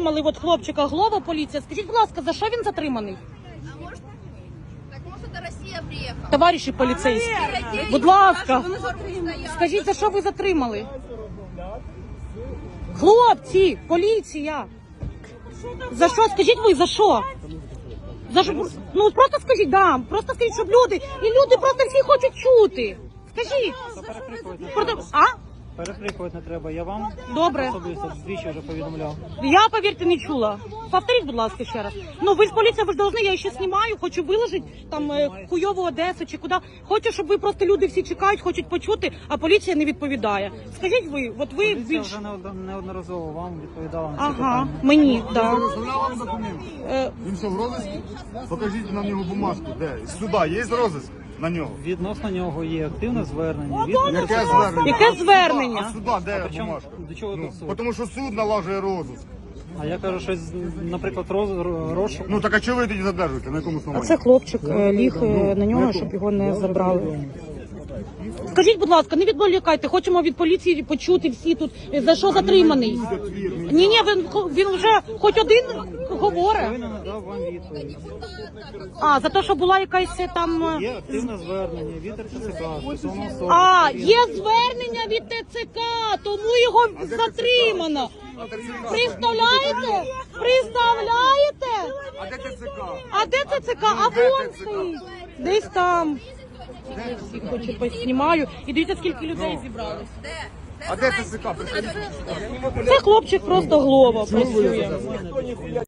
затримали от хлопчика Глова, поліція. Скажіть, будь ласка, за що він затриманий? А может, так может это Россия приехала? Товариші поліцейські, будь ласка, скажіть, за що ви затримали? Хлопці, поліція. За що? Скажіть ви, за що? За що? Ну просто скажіть, да, просто скажіть, щоб люди, і люди просто всі хочуть чути. Скажіть. А? Перекрикувати не треба, я вам Добре. особисто двічі вже повідомляв. Я, повірте, не чула. Повторіть, будь ласка, ще раз. Ну, ви ж поліція, ви ж должны, я ще знімаю, хочу виложити там хуйову Одесу чи куди. Хочу, щоб ви просто люди всі чекають, хочуть почути, а поліція не відповідає. Скажіть ви, от ви Поліція більш... вже неодноразово вам відповідала на ці Ага, питання. мені, так. Вам документи. Він що, в розиску? Покажіть нам його бумажку. Де? З суда є розиск на нього? Відносно нього є активне звернення. Яке звернення? Яке звернення? А суда де Причому, бумажка? до чого тут суд? Тому що суд налажує розиск. А я кажу, що, наприклад, розшук. Ну так а чого ви тоді задержуєте? На якому основанні? Це хлопчик ліг на нього, щоб його не забрали. Скажіть, будь ласка, не відволікайте, хочемо від поліції почути всі тут, за що затриманий. Ні, він вже хоч один говорить. Він не надав вам відповідь. А, за те, що була якась там... Є активне звернення від РТЦК стосовно особи. А, є звернення від ТЦК, тому його затримано. Представляєте? Представляєте? А де ТЦК? А де ЦЦК? А вон стоїть. Десь там. Я всіх хочу поснімаю. І дивіться, скільки людей зібралось. А де ТЦК? Це хлопчик просто Глова працює.